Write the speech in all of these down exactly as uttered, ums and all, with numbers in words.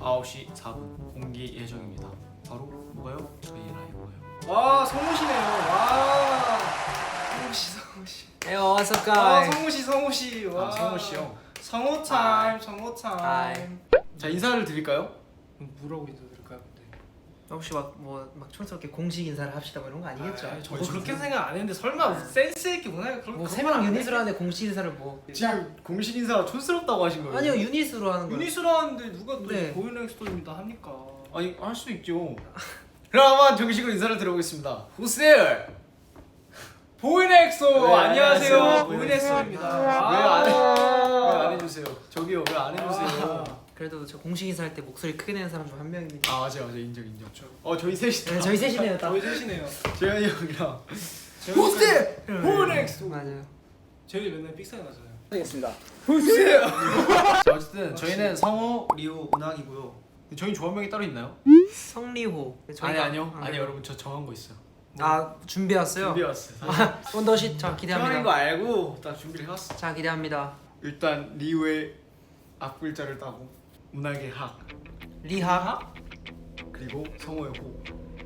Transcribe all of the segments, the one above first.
아홉 시 사 분 공개 예정입니다. 바로 뭐가요? 저희 라이브예요. 와 성우시네요. 와 성우씨 성우씨. Hey, what's up, 와 guys? 성우씨 성우씨. 와 아 성우씨요. 성우 타임 성우 타임. 자 인사를 드릴까요? 뭐라고 인사드릴까요? 근데 혹시 막뭐막 촌스럽게 공식 인사를 합시다 뭐 이런 거 아니겠죠? 아, 저도 그렇게 생각 안 했는데 설마 센스 있게 문화가 그런 뭐 그런 세 건 명 안 유닛으로 해? 하는데 공식 인사를 뭐 지금 공식 인사가 촌스럽다고 하신 거예요? 아니요 유닛으로 하는 거예요. 유닛으로 하는데 누가 또 네. 보이는 스토리입니다 합니까? 아니 할 수도 있죠. 그럼 한번 정식으로 인사를 드려보겠습니다. Who's there? 보이넥소 네, 안녕하세요. 안녕하세요. 보이넥소입니다. 왜안 해? 왜안 해주세요? 저기요 왜 안 해주세요? 그래도 저 공식 인사할 때 목소리 크게 내는 사람 중 한 명입니다. 아 맞아요 맞아요 인정 인정. 어 저희 셋이다. 네, 저희 셋이네요. 딱. 저희 셋이네요. 재현이 형이랑 Who's there? 네, 보이넥소. 맞아요. 저희 맨날 삑사리 나잖아요. 하겠습니다. 자 어쨌든 저희는 성우, 리오, 은학이고요. 저희 조합명이 따로 있나요? 성리호. 아니 아니요 아, 아니 네. 여러분 저 정한 거 있어요. 아 준비했어요? 준비해왔어요. 아, 원더쉿 자 형인 거 기대합니다. 알고 딱 준비를 해왔어. 자 기대합니다. 일단 리오의 앞글자를 따고 은학의 학 리하. 그리고 성우의 호.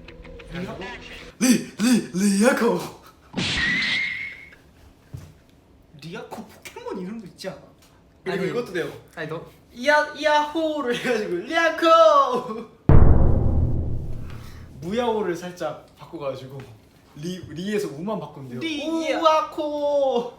리리 리아코. 리아코 포켓몬 이름도 있지 않아? 그리고 아니. 이것도 돼요. 아니 너 이야 이야호를 해가지고 리아코. 무야호를 살짝 바꿔가지고 리 리에서 우만 바꾼대요. 리야. 우아코.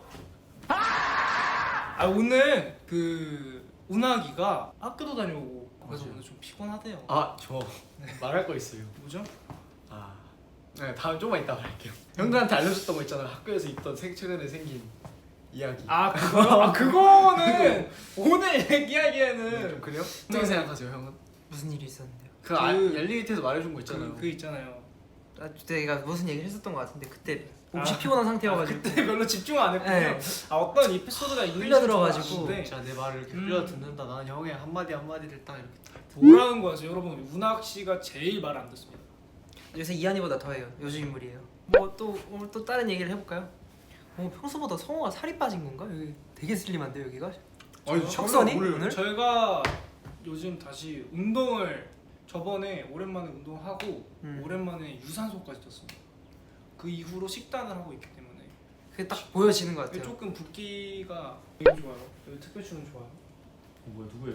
아 오늘 그 운하기가 학교도 다녀오고 그래서 맞아요. 오늘 좀 피곤하대요. 아 저 말할 거 있어요. 뭐죠? 아, 네 다음 조금만 이따 말할게요. 형들한테 알려줬던 거 있잖아요. 학교에서 있던 생 최근에 생긴 이야기. 아 그거요? 아 그거는 오늘 네, 좀 얘기하기에는 그래요? 어떻게 생각하세요, 형은? 무슨 일이 있었는데요? 그, 그- 아, 엘리베이터에서 말해준 거 있잖아요. 그, 그 있잖아요. 아, 내가 무슨 얘기를 했었던 것 같은데 그때 혹시 아. 피곤한 아, 상태여가지고 그때 별로 집중 안 했군요. 네. 아 어떤 에피소드가 있는지 흘려들어가지고. 좀 아는데 진짜 내 말을 이렇게 음. 흘려 듣는다. 나는 형의 한 마디 한 마디를 딱 이렇게. 딱. 뭐라는 거죠, 여러분? 운학 씨가 제일 말 안 듣습니다. 요새 이한이보다 더해요. 요즘 인물이에요. 뭐 또 오늘 또 다른 얘기를 해볼까요? 어, 평소보다 성우가 살이 빠진 건가? 여기 되게 슬림한데 여기가? 아니, 혁선이? 오늘 오늘? 저희가 요즘 다시 운동을 저번에 오랜만에 운동하고 음. 오랜만에 유산소까지 떴습니다. 그 이후로 식단을 하고 있기 때문에 그게 딱 보여지는 것 같아요. 조금 붓기가 되게 좋아요. 여기 특별추는 좋아요. 어, 뭐야 누구예요?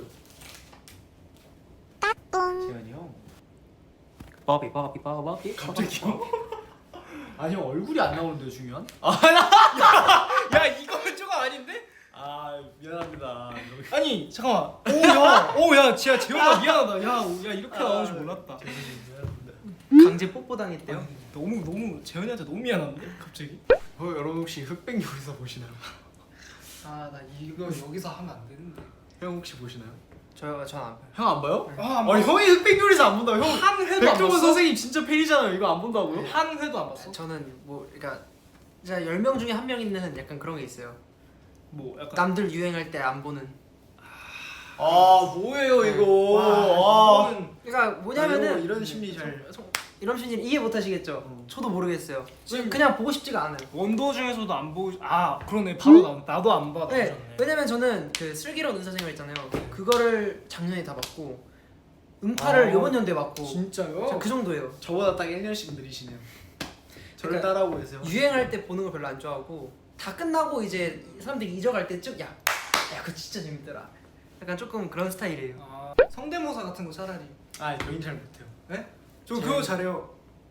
재현이 형. 바비 바비 바비 갑자기요? 아니 형 얼굴이 안 나오는데 중요한? 야 이거는 조금 아닌데? 아 미안합니다. 아니 잠깐만. 오야, 오야, 진짜 재현아 미안하다. 야, 오, 야 이렇게 나오는 줄 몰랐다. 미안합니다. 강제 뽀뽀 당했대요. 아니, 너무 너무 재현이한테 너무 미안한데 갑자기? 어 여러분 혹시 흑백 요리사 보시나요? 아 나 이거 여기서 하면 안 되는데. 형 혹시 보시나요? 저요 전안 봐요. 형 안 봐요? 아, 아니 형이 흑백 요리사 안 본다고? 형 한 회도 안 백종원 봤어? 선생님 진짜 팬이잖아요. 이거 안 본다고요? 한 회도 안 봤어? 저는 뭐 그러니까 진짜 열 명 중에 한 명 있는 약간 그런 게 있어요. 뭐 약간 남들 유행할 때 안 보는. 아 뭐예요 이거? 와, 아, 이거는 그러니까 뭐냐면은 이런, 이런 심리 잘. 이런 심리 이해 못 하시겠죠? 어. 저도 모르겠어요. 지금- 그냥 보고 싶지가 않아요. 원도 중에서도 안 보고 아 그러네 바로 나온 나도 안 봐. 네, 나오셨네. 왜냐면 저는 그 슬기로운 의사생활 있잖아요. 그거를 작년에 다 봤고 음파를 아, 요번 연도에 봤고 진짜요? 저그 정도예요. 저보다 딱 일 년씩 느리시네요. 저를 그러니까 따라하고 계세요. 유행할 때 보는 걸 별로 안 좋아하고 다 끝나고 이제 사람들이 잊어갈 때쯤 야, 야 그거 진짜 재밌더라. 약간 조금 그런 스타일이에요. 아, 성대모사 같은 거 차라리. 아 저희는 잘 못해요. 네? 저 재현- 그거 잘해요.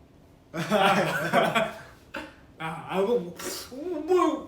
아, 아, 뭐, 뭐, 뭐,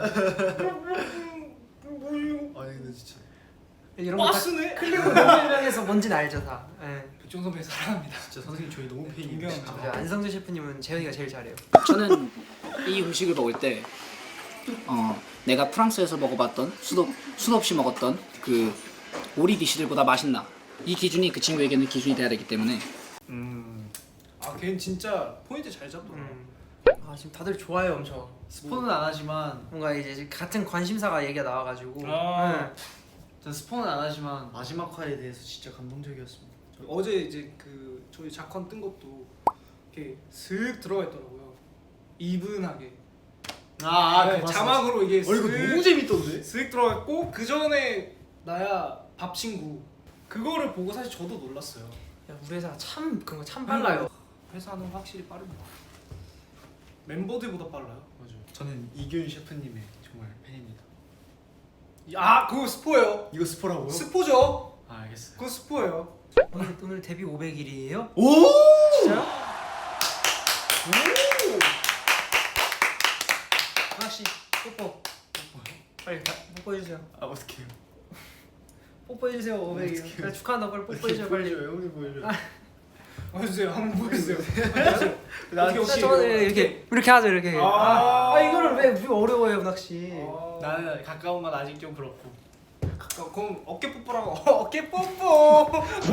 뭐, 아니 근데 진짜. 이런 거다 빠스네. 클릭으로 설명해서 뭔지는 알죠 다. 예. 백종 선배 사랑합니다. 진짜 선생님 저희 너무 팬이에요. 존경합니다. 진짜. 이제 안성재 셰프님은 재현이가 제일 잘해요. 저는 이 음식을 먹을 때 어, 내가 프랑스에서 먹어봤던 수도 수도 없이 먹었던 그 오리 디시들보다 맛있나 이 기준이 그 친구에게는 기준이 돼야 되기 때문에 음 아, 걔는 진짜 포인트 잘 잡더라. 음. 아 지금 다들 좋아요 엄청. 스폰은 안 하지만 뭔가 이제 같은 관심사가 얘기가 나와가지고. 아. 예. 전 스폰은 안 하지만 마지막 화에 대해서 진짜 감동적이었습니다. 어제 이제 그 저희 작건 뜬 것도 이렇게 슥 들어가 있더라고요. 이분하게. 아, 네, 자막으로 이게 어 이거 슥- 너무 재밌던데? 슥 들어갔고 그 전에 나야 밥 친구 그거를 보고 사실 저도 놀랐어요. 야, 우리 회사가 참 그런 거 참 빨라요. 회사는 확실히 빠릅니다. 멤버들보다 빨라요. 맞아요. 저는 이균 셰프님의 정말 팬입니다. 아 그거 스포예요. 이거 스포라고요? 스포죠. 아 알겠어요. 그거 스포예요. 오늘 오늘 데뷔 오백 일이에요? 오! 진짜요? 오. 하나씩 뽀뽀. 빨리 다 뽀뽀해 주세요. 아 어떡해요? 뽀뽀해 주세요. 오백 일. 어떡해요? 빨리 축하한다고 빨리 뽀뽀해 주세요. 빨리. 보여줘요. 형님 보여줘요. 아. 보여주세요. 한번 보여주세요. 나 어떻게 혹시 저는 이렇게 이렇게 하죠 이렇게. 아. 아, 아 이거를 왜 우리 어려워요 은학 씨. 아. 나는 가까운 건 아직 좀 그렇고. 어, 그럼 어깨 뽀뽀라고. 어깨 뽀뽀.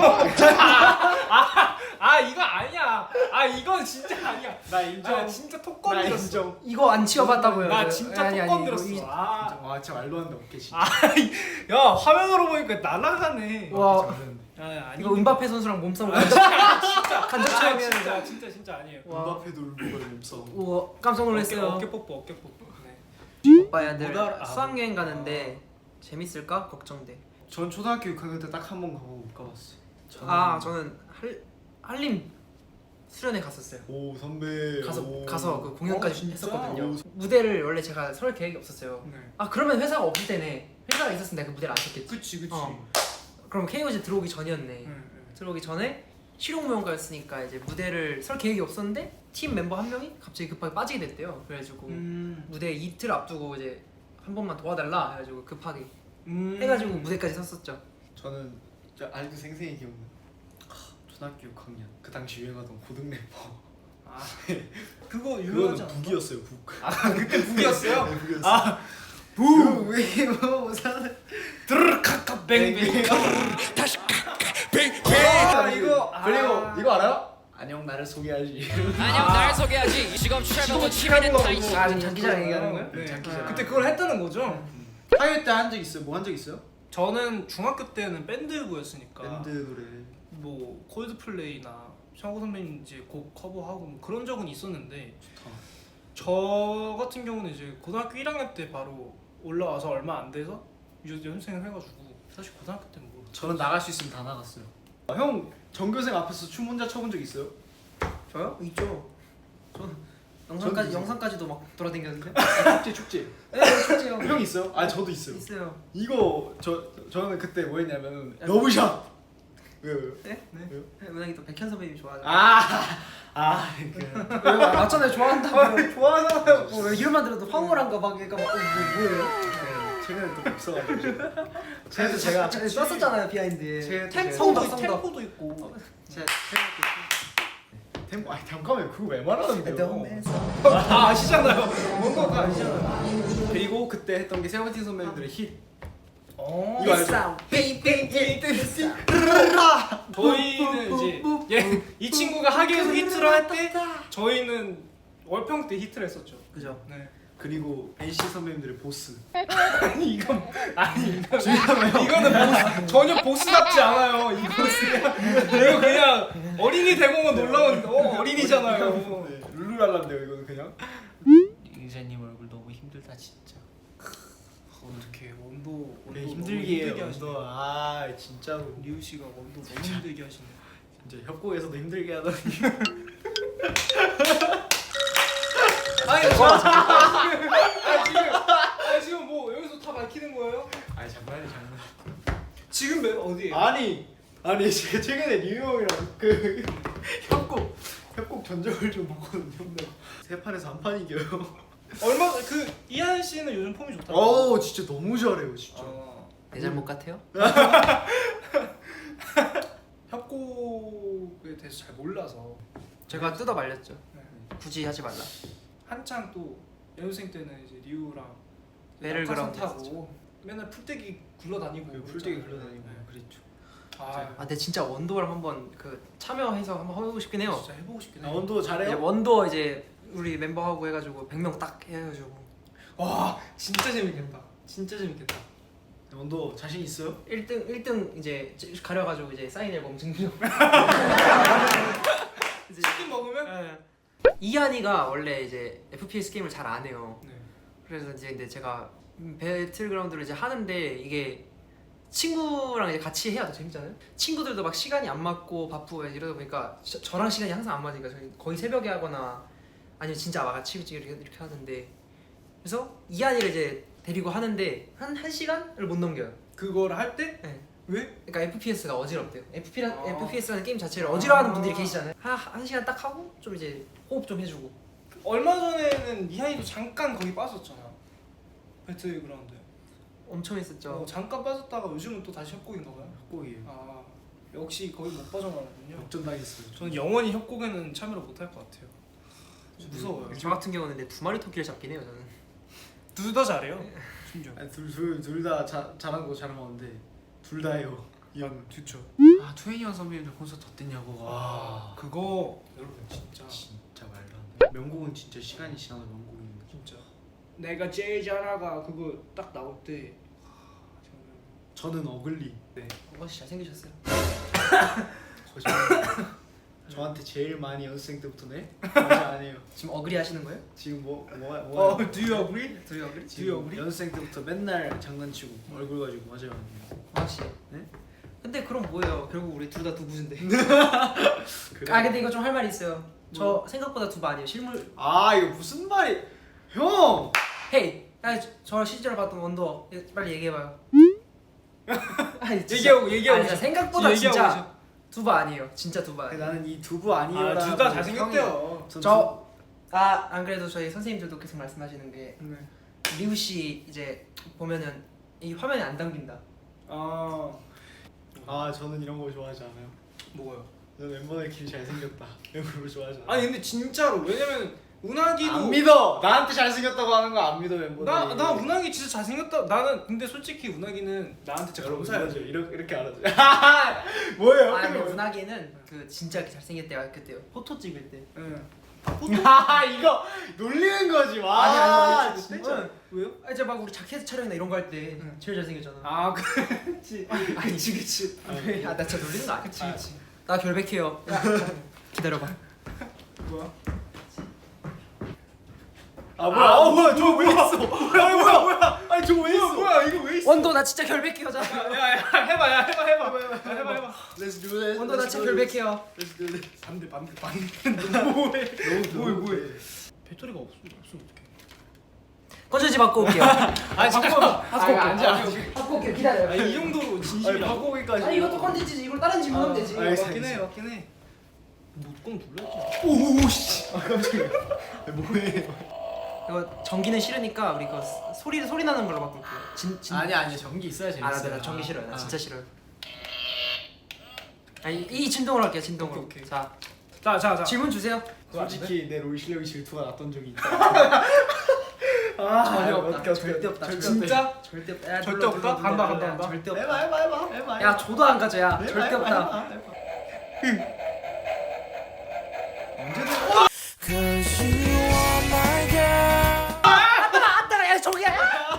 아, 아 이거 아니야. 아 이건 진짜 아니야. 나 인정. 아 진짜 톡 나 건드렸어. 인정. 이거 안 치워봤다고요. 나 저. 진짜 아니, 톡 아니, 건드렸어. 이거 이- 아, 와 진짜 말도 안 돼. 어깨 진짜. 야 화면으로 보니까 날아가네. 와. 진짜 말도 안 돼. 아, 아니 이거 은바페 선수랑 몸싸움 간접 진짜 간접 아, 체험이야. 진짜 진짜 진짜 아니에요. 와. 음바페도 울보가 몸싸움. 우와 깜짝 놀랐어요. 어깨, 어깨 뽀뽀 어깨 뽀뽀. 네. 오빠야들 못 알아- 아, 수학여행 가는데 재밌을까 걱정돼. 전 초등학교 육 학년 때 딱 한 번 가고 못 가봤어요. 아 저는 할 한림 수련회 갔었어요. 오 선배. 가서 오. 가서 그 공연까지 어, 진짜? 했었거든요. 오. 무대를 원래 제가 설 계획이 없었어요. 네. 아 그러면 회사가 없을 때네. 회사가 있었으면 내가 그 무대를 안 쳤겠지. 그치 그치. 어. 그럼 케이오지 들어오기 전이었네. 네, 네. 들어오기 전에 실용무용가였으니까 이제 무대를 설 계획이 없었는데 팀 멤버 한 명이 갑자기 급하게 빠지게 됐대요. 그래가지고 음. 무대 이틀 앞두고 이제 한 번만 도와달라 해가지고 급하게 음. 해가지고 무대까지 섰었죠. 저는 진짜 아직도 생생히 기억나. 초등학교 육 학년 그 당시 유행하던 고등 래퍼. 아 그거 그거는 유명하지 않아? 북이었어요 북. 아 그때 북이었어요? 네, 북이었어요. 아 북위모 사는. 드르르 카카 뱅뱅. 아 이거, 그리고 아. 이거 알아요? 안녕 나를 소개하지. 안녕 날 소개하지 지금 최고고 치매는 타이시 아 지금 장기자랑 얘기하는 거예요? 네. 장기자랑. 그때 그걸 했다는 거죠? 하이웨이 때 한 적 있어요? 뭐 한 적 있어요? 저는 중학교 때는 밴드부였으니까 밴드 노래. 뭐 콜드플레이나 샤고 선배님 이제 곡 커버하고 뭐 그런 적은 있었는데 좋다. 저 같은 경우는 이제 고등학교 일 학년 때 바로 올라와서 얼마 안 돼서 유- 연습생을 해가지고 사실 고등학교 때는 뭐 저는 나갈 수 있으면 다 나갔어요. 아, 형 전교생 앞에서 춤 혼자 춰본 적 있어요? 저요? 있죠. 저는 영상까지 저는 영상까지도 막 돌아다녔는데. 축제 축제. 네, 실제요. 형 있어요? 아 저도 있어요. 있어요. 이거 저 저는 그때 뭐였냐면 러브샷. 왜요? 왜요? 네? 네. 왜요? 은하이 또 백현 선배님 좋아하죠. 아, 아, 그 맞잖아요. 좋아한다고. 좋아하잖아요. 뭐 이름만 들어도 황홀한 거 막 그러니까 막 어, 뭐, 뭐예요? 네, 최근에 또 없어가지고. 쟤도 제가 아, 썼었잖아요 비하인드에. 제- 템- 템포도 성덕, 성덕. 템포도 있고 제가 템포 아니 잠깐만 그거 왜 말하는데요? 아 아시잖아요. 뭔가 아시잖아요. 그리고 그때 했던 게 세븐틴 선배님들의 히 어. 이거 알죠? 저희는 이제 얘, 이 친구가 하기에서 히트를 할 때 저희는 월평 때 히트를 했었죠. 그죠. 네. 그리고 엔씨 선배님들의 보스. 아니 이건 아니 이건 이거는 보스, 전혀 보스답지 않아요. 이 보스가 이거 그냥 어린이 대공원 놀라운 어, 어린이잖아요. 네, 룰루랄라인데요 이거는 그냥. 유재님 얼굴 너무 힘들다 진짜 어떻게 원도 원도 네, 너무 힘들게 해요 힘들게 원도. 하시네. 아 진짜로 리우 씨가 원도 너무 힘들게 하시네. 진짜 협곡에서도 힘들게 하더니. 아니 저 아, 지금 아, 지금 뭐 여기서 다 밝히는 거예요? 아니 장난이 장난. 지금 몇 어디에요? 아니 아니 제가 최근에 리우 형이랑 그 협곡 협곡 전적을 좀 봤거든요. 세 판에서 한 판 이겨요. 얼마 그 이한 씨는 요즘 폼이 좋다고. 어우 진짜 너무 잘해요 진짜. 어, 내 잘못 같아요? 협곡에 대해서 잘 몰라서 제가 뜯어 말렸죠. 네. 굳이 하지 말라. 한창 또 연습생 때는 이제 리우랑 배럴그라운드 타고 맨날 풀떼기 굴러다니고 그 풀떼기 그랬잖아요. 굴러다니고 네. 그랬죠. 아, 아 근데 진짜 원도를 한번 그 참여해서 한번 해보고 싶긴 해요. 진짜 해보고 싶긴 아 해요. 원도 이제 잘해요? 원도 이제 우리 멤버하고 해가지고 백 명 딱 해가지고 와 진짜 재밌겠다. 진짜 재밌겠다. 원도 자신 있어요? 일 등 일 등 이제 가려가지고 이제 사인 앨범 증정. 이제 치킨 먹으면? 예. 이한이가 원래 이제 에프피에스 게임을 잘 안 해요. 네. 그래서 이제 근데 제가 배틀그라운드를 이제 하는데 이게 친구랑 이제 같이 해야 더 재밌잖아요. 친구들도 막 시간이 안 맞고 바쁘고 이러다 보니까 저, 저랑 시간이 항상 안 맞으니까 저희 거의 새벽에 하거나 아니면 진짜 막 아침 일찍 이렇게, 이렇게 하는데 그래서 이한이를 이제 데리고 하는데 한 한 시간을 못 넘겨요. 그걸 할 때? 네. 왜? 그러니까 에프피에스가 어지럽대요. 에프피라, 아. 에프피에스라는 게임 자체를 어지러워하는 아. 분들이 계시잖아요. 한, 한 시간 딱 하고 좀 이제 호흡 좀 해주고. 얼마 전에는 이한이도 잠깐 거기 빠졌잖아. 배틀그라운드. 엄청 했었죠. 어, 잠깐 빠졌다가 요즘은 또 다시 협곡인가 봐요. 협곡이에요. 아 역시 거의 못 빠져나가는군요. 역전당했어요. 저는 영원히 협곡에는 참여를 못 할 것 같아요. 무서워요. 저 같은 경우는 근데 두 마리 토끼를 잡긴 해요 저는. 둘 다 잘해요. 심지어. 둘둘둘다 잘한 거 잘하는데 둘 다요. 이 형은. 좋죠. 아 투애니원 선배님들 콘서트 어땠냐고. 아 와 그거 여러분 진짜 진짜 말도 안 돼. 명곡은 진짜 시간이 지나도 명곡인 거. 진짜. 내가 제일 잘하가 그거 딱 나올 때. 아, 정말. 저는 어글리. 네. 오버씨 잘생기셨어요. 거짓말. 저한테 제일 많이 연습생 때부터 네? 맞아 아니에요. 지금 어그리 하시는 거예요? 지금 뭐 뭐야 뭐야. 어, do you agree? 두 어그리? 지금 어글리? 연습생 때부터 맨날 장난치고 얼굴 가지고 맞아요 아니에요. 오버씨. 네? 근데 그럼 뭐예요? 결국 우리 둘 다 두부인데. 그래. 아 근데 이거 좀 할 말이 있어요. 저 생각보다 두부 아니에요. 실물. 아 이거 무슨 말이? 형. 헤이. 아니 저- 저 실제로 봤던 원더 빨리 얘기해봐요. 아니, 진짜. 얘기하고 얘기하고 아니, 진짜 계셔. 생각보다 얘기하고 진짜 계셔. 두부 아니에요. 진짜 두부 아니에요. 나는 이 두부 아니에요. 아, 둘 다 잘생겼대요. 저 아 안 그래도 저희 선생님들도 계속 말씀하시는 게 네. 리우 씨 이제 보면은 이 화면에 안 담긴다. 아 아 저는 이런 거 좋아하지 않아요. 뭐가요? 저는 멤버들끼리 잘생겼다 이런 걸 좋아하지 않아요. 아니 근데 진짜로 왜냐면 운하기도 안 믿어. 나한테 잘생겼다고 하는 거 안 믿어 멤버들. 나, 나 운하기 진짜 잘생겼다. 나는 근데 솔직히 운하기는 나한테 진짜 여러분 감사해요. 맞아요. 이렇게 이렇게 알아줘. 뭐예요? 아 근데 문학이는 그 진짜 이렇게 잘생길 때가 그때요. 포토 찍을 때. 응. 아 이거 놀리는 거지. 와. 아니, 아니, 아니, 진짜. 왜요? 아 이제 막 우리 자켓 촬영이나 이런 거 할 때 응. 제일 잘생겼잖아. 아 그치. 아니, 그치 그치. 아 나 진짜 놀리는 거 아니야? 그치 그치. 나 결백해요. 기다려봐. 뭐야? 아 뭐야? 아, 뭐야? 저거 왜 있어? 뭐야 뭐야 뭐야? 아니 저거 왜 있어? 뭐야 이거 왜 있어? 원도 나 진짜 결백해요. 자. 야야 해봐 야 해봐 해봐 해봐 해봐 해봐. Let's do this. 원도 나 진짜 결백해요. Let's do this. 반대 반대 반대. 뭐해? 뭐해 뭐해? 배터리가 없어 없으면 어떡해? 꺼져지 바꿔 올게요. 아 진짜. 바꿔 올게요. 앉아. 바꿔 올게요. 기다려요. 아, 이 정도로 아니 진심이야. 바꾸기까지. 아니 이것도 컨텐츠지. 이걸 다른 질문하면 되지. 알겠어, 맞긴 해 알겠어. 맞긴 해. 못건 눌렀지. 오씨. 아 깜짝이야. 뭐해? 이거 전기는 싫으니까 우리 그 소리 소리 나는 걸로 바꿀게요. 진, 진... 아니 아니 전기 있어야 아, 나, 나 전기 싫어요. 나 진짜 싫어요. 아니 이 진동으로 할게요. 진동으로. 오케이, 오케이. 자 자자 자. 질문 주세요. 솔직히 내 롤 실력이 질투가 났던 적이 있다. 아, 전혀 없다. 어떡해, 어떡해. 절대 없다. 절대 진짜? 절대 없다. 야, 절대 눌러, 없다? 눌러, 간다, 눌러. 간다, 야, 간다. 절대 없다. 해봐 해봐 해봐 해봐. 야 조도 안 가져. 야 해봐, 절대 해봐, 없다. 해봐, 해봐. 아따가 아따가 야 저기야.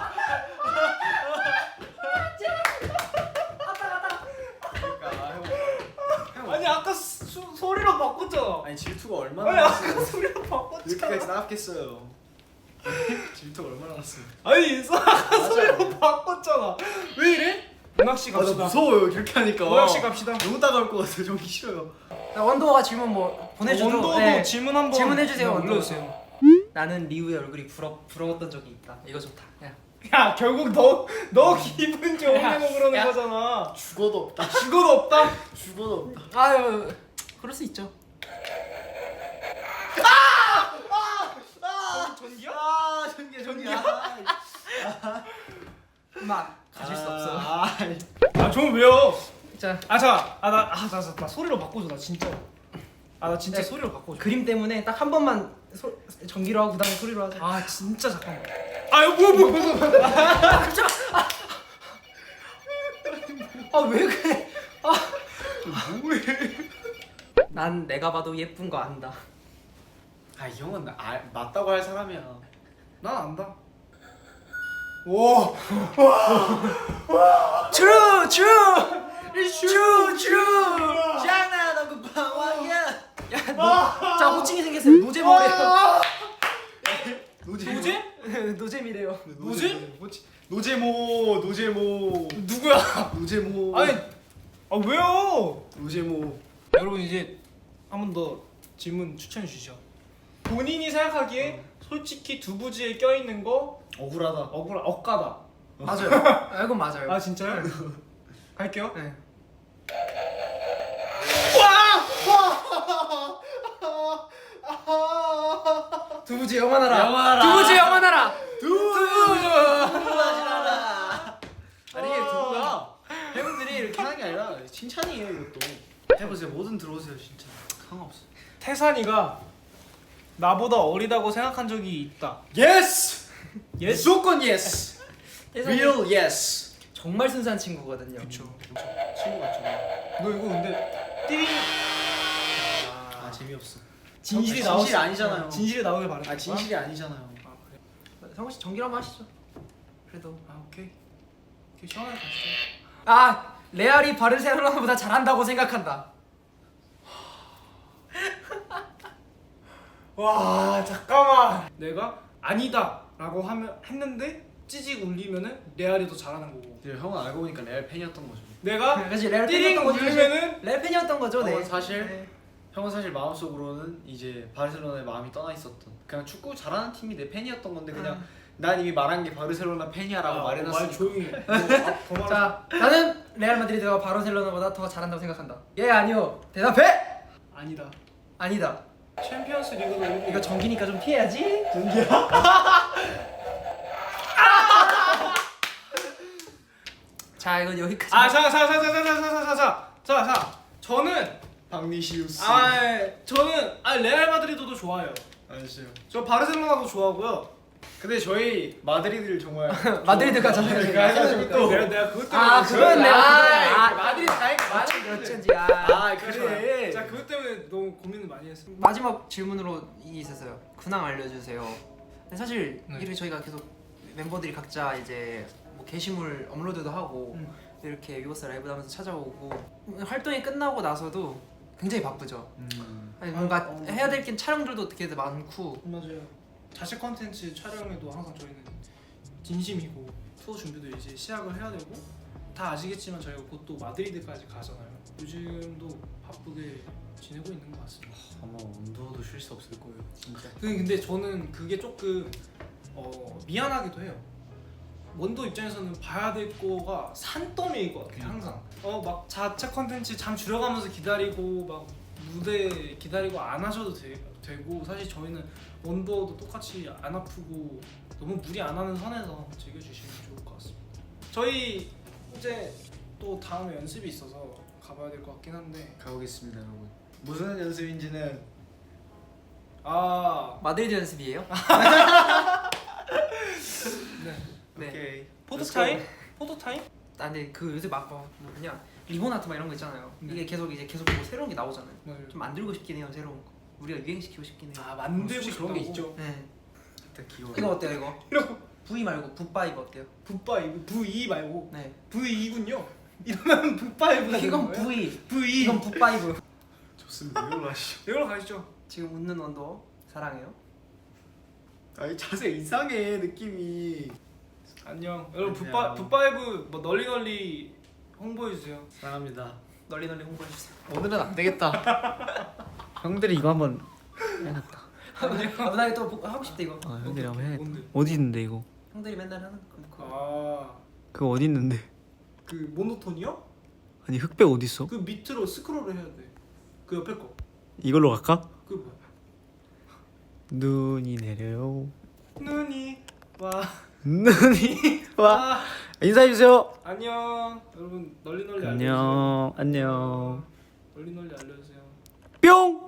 아니 아까 수, 소리로 바꿨잖아. 아니 질투가 얼마나 아니 났어요? 아까 소리로 바꿨잖아. 이렇게까지 나왔겠어요. 질투가 얼마나 났어요? 아니 아까 소리로 바꿨잖아. 왜 이래? 문학 씨 아나 갑시다. 무서워요 그렇게 하니까. 문학 씨 갑시다. 너무 따가울 것 같아요. 전기 싫어요. 나 원도가 질문 뭐 보내줘도 원도도 네. 질문 한번 질문해 주세요. 원도. 올려주세요. 나는 리우의 얼굴이 부러 부러웠던 적이 있다. 이거 좋다. 야. 야 결국 너 너 기분 좋으려고 야, 그러는 야. 거잖아. 죽어도 없다. 죽어도 없다. 죽어도 없다. 아유 그럴 수 있죠. 전기야? 아 전기 전기야. 막 가질 수 없어. 아, 아 좀 왜요? 자 아 자, 아나아나 나, 나 소리로 바꿔줘 나 진짜. 아 나 진짜 네. 소리로 바꿔줘. 그림 때문에 딱 한 번만 소, 전기로 하고 그다음에 소리로 하자. 아 진짜 잠깐만. 아유 뭐야 뭐야 뭐야. 뭐야. 아 왜 그래? 뭐해? 난 내가 봐도 예쁜 거 안다. 아 이 형은 아, 맞다고 할 사람이야. 난 안다. 오. True, true, true, true. 장난하고 방황이야. 야, 너, 자 호칭이 생겼어요. 노제모래요. 노제 노제? 노잼이래요. 노제? 노제모 노제모 누구야? 노제모 아니 아 왜요? 노제모. 여러분 이제 한 번 더 질문 추천해 주시죠. 본인이 생각하기에 솔직히 두부지에 껴있는 거 억울하다. 억울 억까다. 맞아요. 아, 이건 맞아요. 아 진짜요? 갈게요. 네. 두부지 영원하라. 영원하라. 두부지 영원하라. 두부하시라라. 아니 이게 두부가 팬분들이 이렇게 하는 게 아니라 칭찬이에요 이것도. 해보세요. 뭐든 들어오세요 진짜. 상관없어. 태산이가 나보다 어리다고 생각한 적이 있다. 예스. 예스? 무조건 예스. 태산이 Real yes. 정말 순수한 친구거든요. 그쵸. 친구 같잖아. 너 이거 근데 띠링 아 재미없어. 진실이 아, 나오 진실이 아니잖아요. 진실이 나오길 바래. 아 진실이 아니잖아요. 아 그래. 성우 씨 정기로 한번 하시죠. 그래도 아 오케이. 오케이 시원하게 가시죠. 아 레알이 바르셀로나보다 잘한다고 생각한다. 와 잠깐만. 내가 아니다라고 하면 했는데 찌직 울리면은 레알이 더 잘하는 거고. 근데 형은 알고 보니까 레알 팬이었던 거죠. 내가 그치 레알 띠링 팬이었던 거죠. 울리면은 레알 팬이었던 거죠. 네. 형은 사실 네. 형은 사실 마음속으로는 이제 바르셀로나에 마음이 떠나 있었던. 그냥 축구 잘하는 팀이 내 팬이었던 건데 그냥 음. 난 이미 말한 게 바르셀로나 팬이야라고 아, 말해놨으니까. 말 조용히. 해. 너 앞- 더 말하- 자 나는 레알 마드리드가 바르셀로나보다 더 잘한다고 생각한다. 예 아니요. 대답해. 아니다. 아니다. 챔피언스 리그도 이거 이거 정기니까 좀 피해야지. 자 이건 여기까지. 아자자자자자자자자자자 저는 박니시우스. 아 저는 아 레알 마드리드도 좋아요. 아시죠. 저 바르셀로나도 좋아하고요. 근데 저희 마드리드를 정말 마드리드 가잖아요. 마드리드 가가지고 또 내가 내가 그것 때문에 아 그건 내가 아, 아 마드리드 가니까 마드리드 어쩐지. 아, 아 그래. 그래. 자 그것 때문에 너무 고민을 많이 했어. 마지막 질문으로 이 있었어요. 근황 알려주세요. 근데 사실 네. 이를 저희가 계속 멤버들이 각자 이제 뭐 게시물 업로드도 하고 음. 이렇게 위버스 라이브 하면서 찾아오고 활동이 끝나고 나서도 굉장히 바쁘죠. 음. 아니, 뭔가 아, 어. 해야 될 게 촬영들도 되게 많고. 맞아요. 자체 컨텐츠 촬영에도 항상 저희는 진심이고 투어 준비도 이제 시작을 해야 되고 다 아시겠지만 저희가 곧 또 마드리드까지 가잖아요. 요즘도 바쁘게 지내고 있는 것 같습니다. 아마 온도도 쉴 수 없을 거예요 진짜. 그- 근데 저는 그게 조금 어, 미안하기도 해요. 원도 입장에서는 봐야 될 거가 산더미일 것 같아요. 항상 어 막 자체 컨텐츠 잠 줄여가면서 기다리고 막 무대 기다리고 안 하셔도 되, 되고 사실 저희는 원더도 똑같이 안 아프고 너무 무리 안 하는 선에서 즐겨주시면 좋을 것 같습니다. 저희 이제 또 다음에 연습이 있어서 가봐야 될 것 같긴 한데 가보겠습니다 여러분. 무슨 연습인지는 아 마드리드 연습이에요? 네. 네. 오케이. 포토 Let's 타임? go. 포토 타임? 아 근데 그 요새 막 뭐 그냥 리본 아트 막 이런 거 있잖아요. 네. 이게 계속 이제 계속 뭐 새로운 게 나오잖아요. 맞아요. 좀 만들고 싶긴 해요 새로운 거. 우리가 유행시키고 싶긴 해요. 아 만들고 솔직히 그런 게 싶다고? 있죠. 네. 일단 귀여워. 이거 어때요 이거? 이런 V 말고 붓바이브 어때요? 붓바이브 브이 말고 네. 브이군요. 이러면 붓바이브가 되는 이건 거예요? V. 브이. 이건 붓바이브. 좋습니다. 이걸로 하시죠. 이걸로 가시죠. 지금 웃는 원더 사랑해요. 아이 자세 이상해 느낌이. 안녕. 여러분 안녕. 붓바 붓바이브 뭐 널리 널리 홍보해 주세요. 사랑합니다. 널리 널리 홍보해 주세요. 오늘은 안 되겠다. 형들이 이거 한번 해놨다. 아, 나 또 하고 싶다 이거. 아 형들이 한번 해야겠다. 뭔데? 어디 있는데 이거? 형들이 맨날 하는 거. 아. 그거 어디 있는데? 그 모노톤이요? 아니 흑백 어디 있어? 그 밑으로 스크롤을 해야 돼. 그 옆에 거. 이걸로 갈까? 그 뭐야? 눈이 내려요. 눈이 와. 눈이 와. 아. 인사해 주세요. 안녕. 여러분 널리 널리 알려주세요. 안녕. 안녕. 널리 널리 알려주세요. 뿅.